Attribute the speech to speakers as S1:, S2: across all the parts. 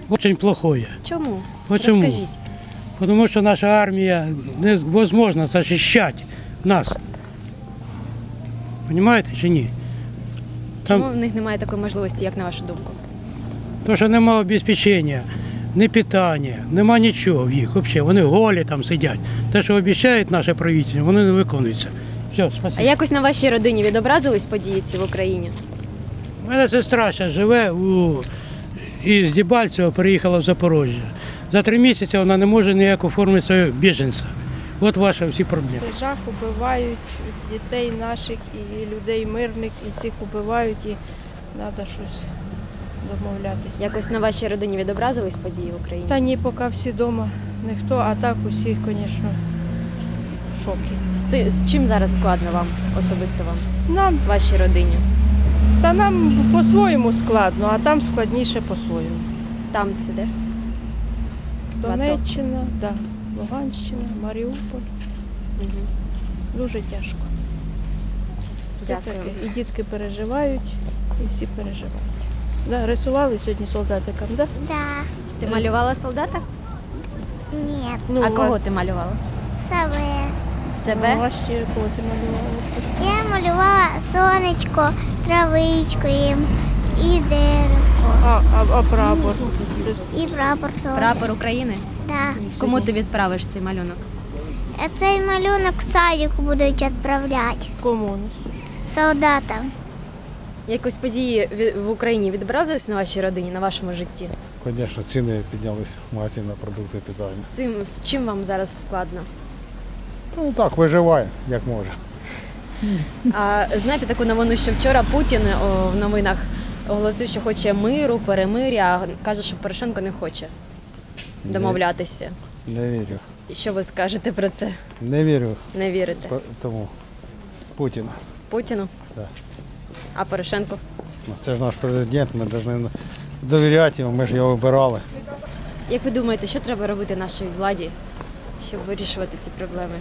S1: Очень плохое.
S2: Чому?
S1: Почему?
S2: Розкажіть.
S1: Потому что наша армия невозможно защищать нас. Понимаете чи ні?
S2: Чому
S1: Там
S2: в них немає такої можливості, як на вашу думку?
S1: то, що немає обезпечення, ні питання, нема нічого в їх взагалі. Вони голі там сидять. Те, що обіцяють наше правительство, вони не виконуються. Все,
S2: А
S1: спасибо.
S2: якось на вашій родині відобразились події ці в Україні?
S1: У мене сестра зараз живе із Дебальцева, переїхала в Запорожжя. За 3 місяці вона не може ніяк оформити свого біженця. От ваші всі проблеми.
S3: Жах убивають дітей наших і людей мирних, і цих убивають, і треба щось домовлятися.
S2: Якось на вашій родині відобразились події в Україні?
S3: Та ні, поки всі вдома, ніхто, а так усі, звісно, в шокі.
S2: З чим зараз складно вам, особисто вам,
S3: Нам,
S2: вашій родині?
S3: та нам по-своєму складно, а там складніше по-своєму.
S2: Там це де? В АТО?
S3: Донеччина, да, Луганщина, Маріуполь.
S2: Угу.
S3: Дуже тяжко. Це
S2: Дякую.
S3: таке. І дітки переживають, і всі переживають. Да, рисували сьогодні солдатикам, да?
S4: Да,
S2: Ти малювала солдата?
S4: нет,
S3: Ну,
S2: А
S3: у
S2: кого
S3: вас-
S2: ти малювала?
S4: себе.
S3: Ну,
S2: Себе?
S3: у вас ще кого ти малювала?
S4: Я малювала сонечко, травичку і деревко,
S3: А прапор?
S4: і прапор теж.
S2: Прапор України?
S4: Да.
S2: Кому ти відправиш цей малюнок?
S4: А цей малюнок в садик будуть відправляти
S3: Кому?
S4: солдатам.
S2: Якось події в Україні відобразились на вашій родині, на вашому житті?
S5: Звісно, ціни піднялися в магазині на продукти питання.
S2: З чим вам зараз складно?
S5: Ну так, виживає, як може.
S2: А знаєте таку новину, що вчора Путін в новинах оголосив, що хоче миру, перемир'я, а каже, що Порошенко не хоче домовлятися.
S5: Не вірю.
S2: І що ви скажете про це?
S5: Не вірю
S2: Не вірите?
S5: тому Путіну.
S2: Путіну?
S5: Так.
S2: А Порошенко?
S5: Ну, це ж наш президент, ми повинні довіряти йому, ми ж його вибирали.
S2: Як ви думаєте, що треба робити нашій владі, щоб вирішувати ці проблеми?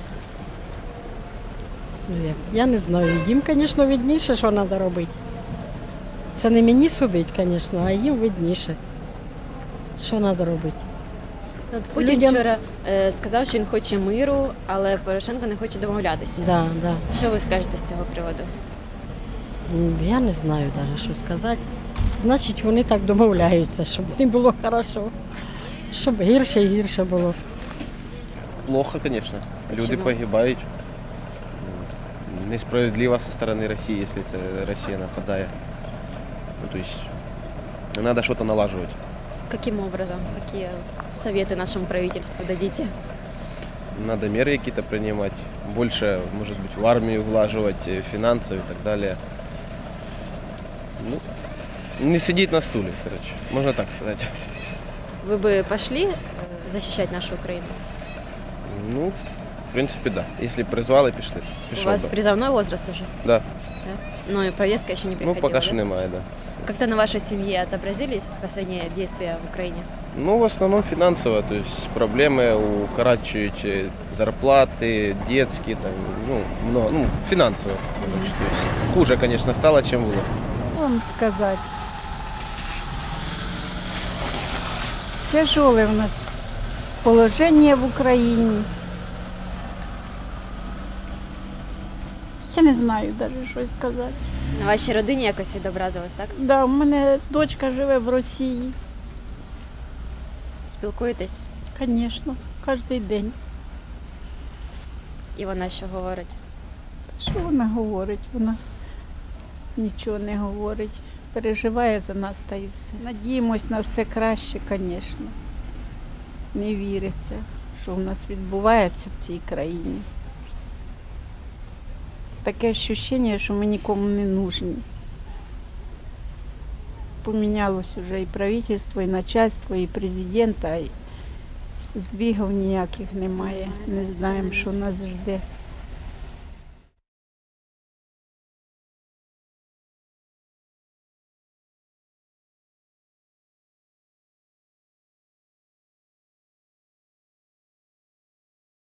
S6: Я не знаю. Їм, звісно, видніше, що треба робити. Це не мені судить, звісно, а їм видніше, що треба робити.
S2: От Путін
S6: Людям-
S2: вчора сказав, що він хоче миру, але Порошенко не хоче домовлятися.
S6: Да, да.
S2: Що ви скажете з цього приводу?
S6: Я не знаю навіть, що сказати. Значить, вони так домовляються, щоб не було хорошо, щоб гірше і гірше було.
S7: Плохо, конечно. Люди
S2: Чому?
S7: погибають. Несправедливо со стороны России, если это Россия нападает. Ну, то есть надо что-то налаживать.
S2: Каким образом? Какие советы нашему правительству дадите?
S7: Надо меры какие-то принимать. Больше, может быть, в армию влаживать, финансов и так далее. Ну, не сидеть на стуле, короче. Можно так сказать.
S2: Вы бы пошли защищать нашу Украину?
S7: Ну, в принципе, да. Если призвали, пішли.
S2: У
S7: Пішов
S2: вас
S7: би.
S2: призывной возраст уже?
S7: Да.
S2: Да? Но и повестка еще не
S7: Ну,
S2: приходила,
S7: пока
S2: да?
S7: что немає, да.
S2: Как-то на вашей семье отобразились последние действия в Украине?
S7: Ну, в основном финансово, то есть проблемы укорачивают зарплаты, детские, там, ну, много, ну, финансово. Короче, то есть хуже, конечно, стало, чем было.
S8: Вам сказати. Тяжеле в нас положення в Україні. Я не знаю навіть, що сказати.
S2: На вашій родині якось відобразилось, так?
S8: Да, у мене дочка живе в Росії,
S2: Спілкуєтесь?
S8: звісно, кожен день.
S2: І вона що говорить?
S8: Що вона говорить? Вона нічого не говорить. Переживає за нас та і все. Надіємось на все краще, звісно. Не віриться, що в нас відбувається в цій країні. Таке відчуття, що ми нікому не нужні. Помінялось вже і правительство, і начальство, і президента, і здвигів ніяких немає. Не знаємо, що нас жде.